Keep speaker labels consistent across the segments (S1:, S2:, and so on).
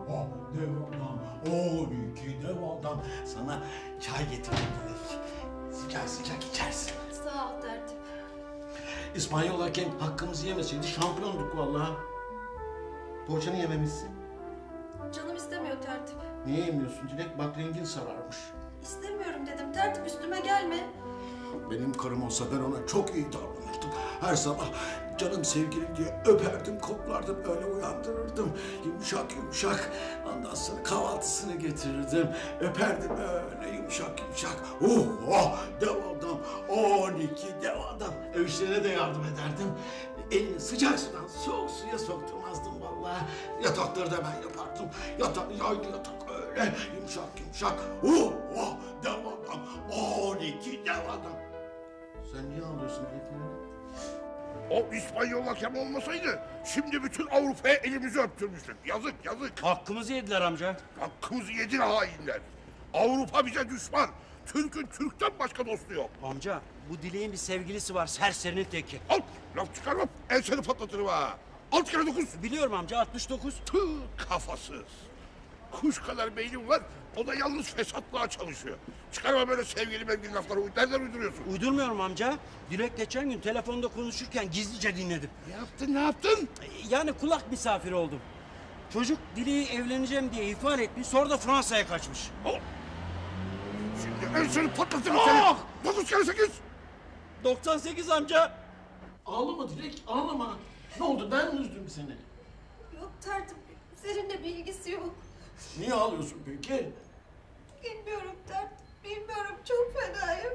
S1: dev adam, 12 dev adam. Sana çay getirdim Dilek. Sıcak sıcak içersin.
S2: Sağ ol tertip.
S1: İspanyol hakem hakkımızı yemeseydi şampiyonduk vallahi. Poğaçanı yememişsin.
S2: Canım istemiyor tertip.
S1: Niye yemiyorsun Dilek? Bak rengin sararmış.
S2: İstemiyorum dedim tertip, üstüme gelme.
S1: Benim karım olsa ben ona çok iyi davranırdım. Her sabah canım sevgilim diye öperdim, koklardım, öyle uyandırırdım. Yumuşak yumuşak. Ondan sonra kahvaltısını getirirdim. Öperdim öyle yumuşak yumuşak. Dev adam, 12 dev adam. Ev işlerine de yardım ederdim. Elini sıcak sudan soğuk suya sokturmazdım vallahi. Yatakları da ben yapardım. Yaylı yatak öyle yumuşak yumuşak. Dev adam, 12 dev adam. Sen niye ağlıyorsun Dilek'im?
S3: O İspanyol hakem olmasaydı şimdi bütün Avrupa'ya elimizi öptürmüştük. Yazık yazık.
S4: Hakkımızı yediler amca.
S3: Hakkımızı yedi hainler. Avrupa bize düşman. Türk'ün Türk'ten başka dostu yok.
S4: Amca bu Dilek'in bir sevgilisi var, serserinin teki.
S3: Al laf çıkarma, enseni patlatırım ha. Alt kere 9.
S4: Biliyorum amca, 69.
S3: Tüh kafasız. Kuş kadar beynim var, o da yalnız fesatlığa çalışıyor. Çıkarma böyle sevgili lafları, nereden uyduruyorsun?
S4: Uydurmuyorum amca. Dilek geçen gün telefonda konuşurken gizlice dinledim.
S3: Ne yaptın?
S4: Yani kulak misafiri oldum. Çocuk Dilek'i evleneceğim diye ihbar etmiş, sonra da Fransa'ya kaçmış.
S3: Al. Şimdi enseni patlatırım seni. 9 kere 8.
S4: 98 amca.
S1: Ağlama Dilek, ağlama. Ne oldu, ben mi üzdüm seni?
S2: Yok tertip, seninle bir ilgisi yok.
S1: Niye ağlıyorsun peki?
S2: Bilmiyorum tertip, bilmiyorum, çok fenayım.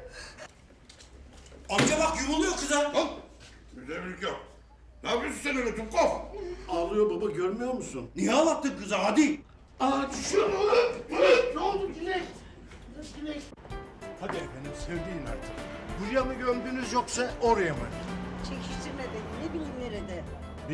S4: Amca bak yumuluyor kıza.
S3: Al. Müdevrik yok. Ne yapıyorsun sen öyle Tukov?
S1: Ağlıyor baba, görmüyor musun?
S4: Niye ağlattın kıza hadi?
S1: Düşüyor. Ne oldu Dilek? Dilek.
S5: Hadi efendim söyleyin artık. Buraya mı gömdünüz yoksa oraya mı?
S6: Çekiştirme beni, ne bileyim nerede.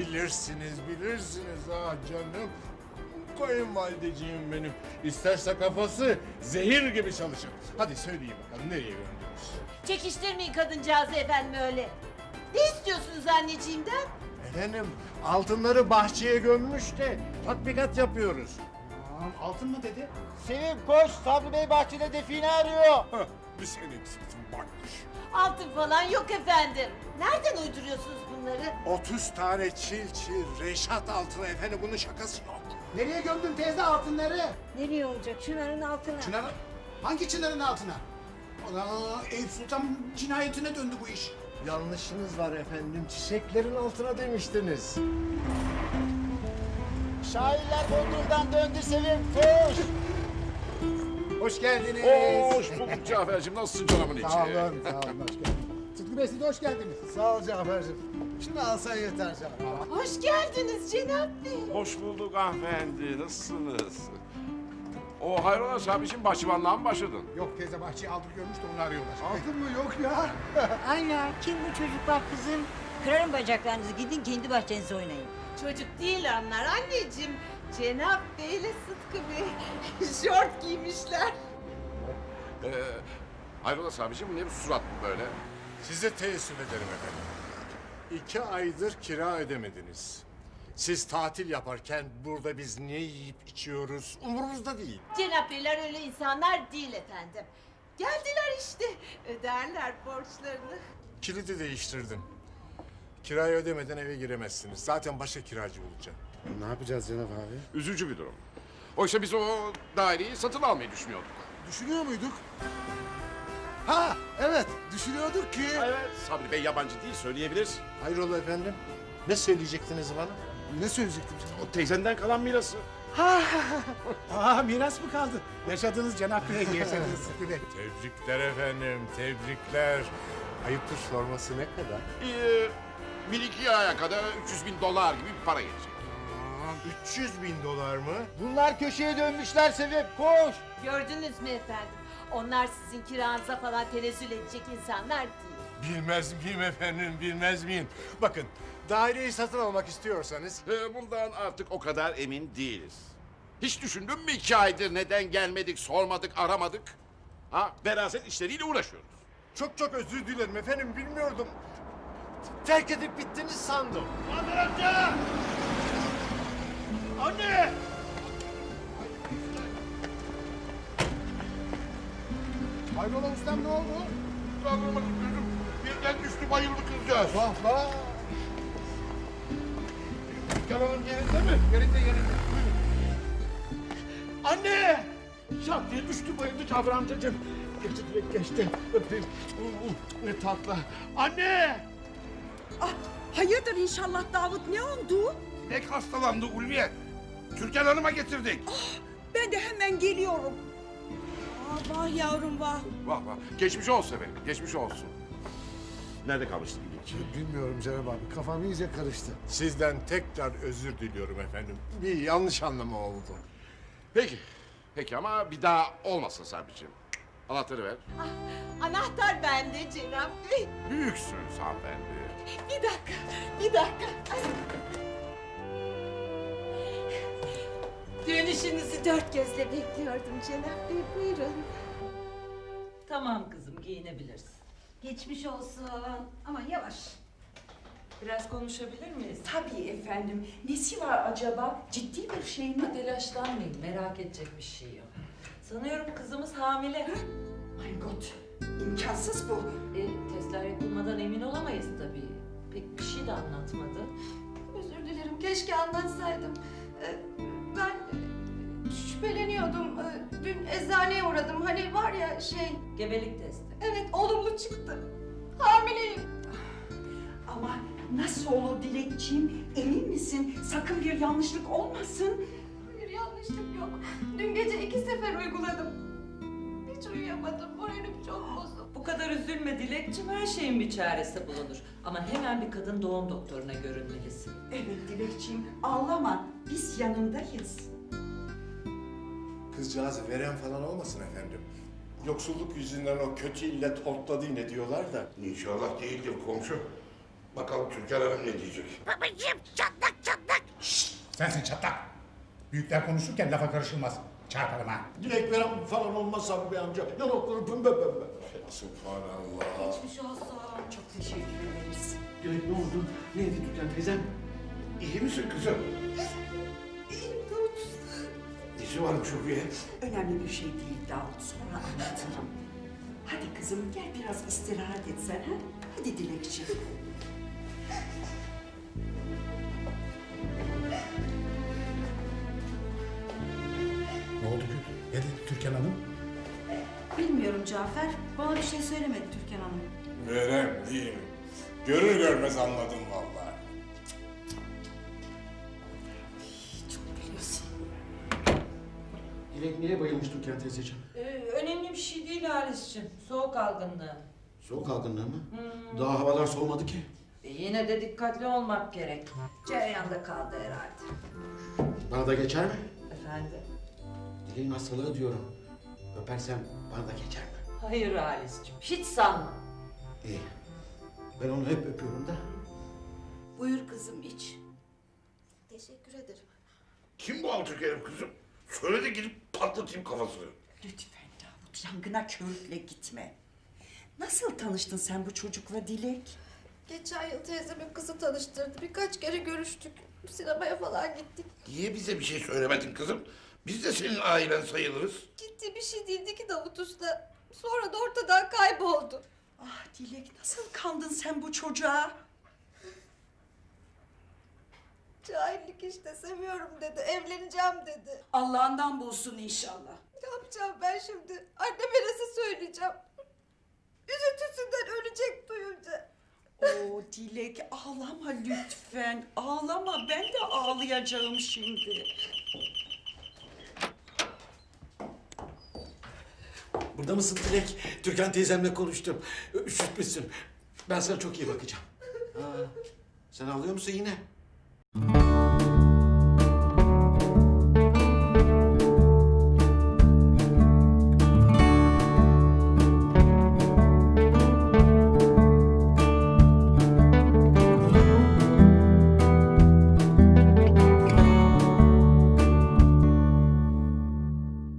S5: Bilirsiniz ha canım. Kayınvalideciğim benim. İsterse kafası zehir gibi çalışır. Hadi söyleyin bakalım nereye gömdünüz?
S6: Çekiştirmeyin kadıncağızı efendim öyle. Ne istiyorsunuz anneciğimden?
S5: Efendim altınları bahçeye gömmüş de tatbikat yapıyoruz.
S7: Altın mı dedi?
S8: Sevim koş, Sabri Bey bahçede define arıyor.
S5: Bir sen eksiksin bakmış.
S6: Altın falan yok efendim. Nereden uyduruyorsunuz bunları?
S5: 30 tane çil Reşat altına efendim bunun şakası yok.
S7: Nereye gömdün teyze altınları?
S6: Nereye olacak? Çınarın altına.
S7: Çınar, hangi çınarın altına? Ana, Eyüp Sultan cinayetine döndü bu iş.
S5: Yanlışınız var efendim. Çiçeklerin altına demiştiniz.
S8: Şairler Bodrum'dan döndü Sevim, koş.
S5: Hoş geldiniz.
S3: Hoş bulduk Cafer'cim. Nasılsın canımın içi?
S7: Sağ olun, hoş geldiniz. Sıtkı Bey siz de hoş geldiniz.
S5: Sağ ol Cafer'cim. Şunu alsan yeter canım.
S6: Hoş geldiniz Cenab Bey.
S3: Hoş bulduk hanımefendi. Nasılsınız? O hayrola abicim bahçıvanlığa mı başladın?
S7: Yok teyze bahçeyi aldık görmüş de onu arıyorlar.
S5: Altın mı yok ya?
S6: Ayla kim bu çocuklar kızım? Kırarım bacaklarınızı, gidin kendi bahçenize oynayın.
S9: Çocuk değil onlar anneciğim. Cenap Bey ile Sıtkı Bey şort giymişler.
S3: Hayrola abicim ne bu surat böyle?
S5: Size teessüf ederim efendim. 2 aydır kira ödemediniz. Siz tatil yaparken burada biz ne yiyip içiyoruz umurumuzda değil.
S9: Cenap Beyler öyle insanlar değil efendim. Geldiler işte. Öderler borçlarını.
S5: Kilidi değiştirdim. Kirayı ödemeden eve giremezsiniz. Zaten başka kiracı bulacağım.
S7: Ne yapacağız Cenab abi?
S3: Üzücü bir durum. Oysa biz o daireyi satın almayı düşünüyorduk.
S7: Düşünüyor muyduk? Ha evet düşünüyorduk ki.
S3: Evet. Sabri Bey yabancı değil söyleyebilir.
S5: Hayrola efendim? Ne söyleyecektiniz bana?
S7: Ne söyleyecektim sana?
S3: O teyzenden kalan mirası.
S7: Aa miras mı kaldı? Yaşadığınız Cenab Bey'e yaşadığınız Sıtkı Bey.
S5: Tebrikler efendim, tebrikler. Ayıptır sorması ne kadar?
S3: Bir iki aya kadar $300.000 gibi bir para gelecek.
S5: 300.000 dolar mı?
S8: Bunlar köşeye dönmüşler Sevim, koş.
S9: Gördünüz mü efendim? Onlar sizin kiranıza falan tenezzül edecek insanlar değil.
S5: Bilmez miyim efendim, bilmez miyim? Bakın, daireyi satın almak istiyorsanız...
S3: Bundan artık o kadar emin değiliz. Hiç düşündün mü 2 aydır neden gelmedik, sormadık, aramadık? Ha, veraset işleriyle uğraşıyoruz.
S5: Çok çok özür dilerim efendim, bilmiyordum. Terk edip bittiniz sandım.
S8: Anne!
S7: Hayrola ustam ne oldu?
S3: Kaldıramadım gözüm. Birden düştü bayıldı kızcağız.
S7: Vah vah.
S3: Türkan Hanım yerinde mi? Yerinde. Buyurun.
S1: Anne! Şak diye düştü bayıldı Cafer amcacığım. Geçti direkt geçti. Öpeyim. Ne tatlı. Anne!
S9: Ah, hayırdır inşallah Davut, ne oldu?
S3: Dilek hastalandı Ulviye. Türkan Hanım'a getirdik.
S9: Ben de hemen geliyorum. Ah, vah yavrum vah.
S3: Vah. Geçmiş olsun efendim. Geçmiş olsun. Nerede kalmıştık Dilekçi?
S5: Bilmiyorum Cenab abi, kafam iyice karıştı. Sizden tekrar özür diliyorum efendim. Bir yanlış anlama oldu.
S3: Peki ama bir daha olmasın Sabri'ciğim. Anahtarı ver.
S9: Anahtar bende Cenab Bey.
S3: Büyüksünüz hanımefendi.
S9: Bir dakika. Dönüşünüzü dört gözle bekliyordum Cenab Bey, buyurun.
S10: Tamam kızım, giyinebilirsin.
S2: Geçmiş olsun. Ama yavaş.
S10: Biraz konuşabilir miyiz?
S9: Tabii efendim. Nesi var acaba? Ciddi bir şey mi?
S10: Telaşlanmayın, merak edecek bir şey yok. Sanıyorum kızımız hamile.
S9: My God. İmkansız bu.
S10: Testler yapılmadan emin olamayız tabii. Pek bir şey de anlatmadı.
S2: Özür dilerim. Keşke anlatsaydım. Ben şüpheleniyordum. Dün eczaneye uğradım. Hani var ya şey...
S10: Gebelik testi.
S2: Evet, olumlu çıktı. Hamileyim.
S9: Ama nasıl olur Dilekçiğim? Emin misin? Sakın bir yanlışlık olmasın.
S2: Hayır, yanlışlık yok. Dün gece 2 sefer uyguladım. Hiç uyuyamadım. Moralim çok bozuk.
S10: Bu kadar üzülme Dilekçim, her şeyin bir çaresi bulunur. Ama hemen bir kadın doğum doktoruna görünmelisin.
S9: Evet Dilekçiğim, ağlama. Biz yanındayız.
S5: Kızcağız veren falan olmasın efendim. Yoksulluk yüzünden o kötü illet hortladı yine diyorlar da.
S3: İnşallah değildir komşu. Bakalım Türkan Hanım ne diyecek?
S7: Sensin çatlak. Büyükler konuşurken lafa karışılmaz. Çarparım ha.
S1: Dilek veren falan olmaz Sabri Bey amca. Yanakları pembe pembe.
S5: Subhanallah.
S2: Geçmiş olsun.
S9: Çok teşekkür ederiz.
S1: Dilek ne oldu? Neydi Türkan teyzem?
S3: İyi misin kızım?
S2: İyiyim Davut.
S3: Nesi varmış Ulviye?
S9: Önemli bir şey değil Davut, sonra anlatırım. Hadi kızım gel biraz istirahat et sen ha. Hadi Dilekçiğim.
S7: Ne oldu ki? Ne dedi Türkan Hanım?
S2: Bilmiyorum Cafer. Bana bir şey söylemedi Türkan Hanım.
S5: Verem değil mi? Görür görmez anladım vallahi.
S1: Dilek niye bayılmış Türkan teyzeciğim?
S10: Önemli bir şey değil Halis'ciğim. Soğuk algınlığı.
S1: Soğuk algınlığı mı? Daha havalar soğumadı ki.
S10: Yine de dikkatli olmak gerek.
S2: Cereyanda kaldı herhalde.
S1: Bana da geçer mi?
S10: Efendim?
S1: Dileğin hastalığı diyorum. Öpersem bana da geçer mi?
S10: Hayır Halis'ciğim, hiç sanma.
S1: İyi. Ben onu hep öpüyorum da.
S9: Buyur kızım iç.
S2: Teşekkür ederim.
S3: Kim bu alçak herif kızım? Söyle de gidip patlatayım kafasını.
S9: Lütfen Davut, yangına körükle gitme. Nasıl tanıştın sen bu çocukla Dilek?
S2: Geçen yıl teyzemin kızı tanıştırdı. Birkaç kere görüştük. Sinemaya falan gittik.
S3: Niye bize bir şey söylemedin kızım? Biz de senin ailen sayılırız.
S2: Ciddi bir şey değildi ki Davut Usta. Sonra da ortadan kayboldu.
S9: Ah Dilek, nasıl kandın sen bu çocuğa?
S2: Cahillik işte, seviyorum dedi. Evleneceğim dedi.
S9: Allah'ından bulsun inşallah.
S2: Ne yapacağım ben şimdi? Anneme nasıl söyleyeceğim? Üzüntüsünden ölecek duyunca.
S9: Oo Dilek, ağlama lütfen. Ağlama, ben de ağlayacağım şimdi.
S1: Burada mısın Dilek? Türkan teyzemle konuştum. Üşütmüşsün. Ben sana çok iyi bakacağım. Sen ağlıyor musun yine?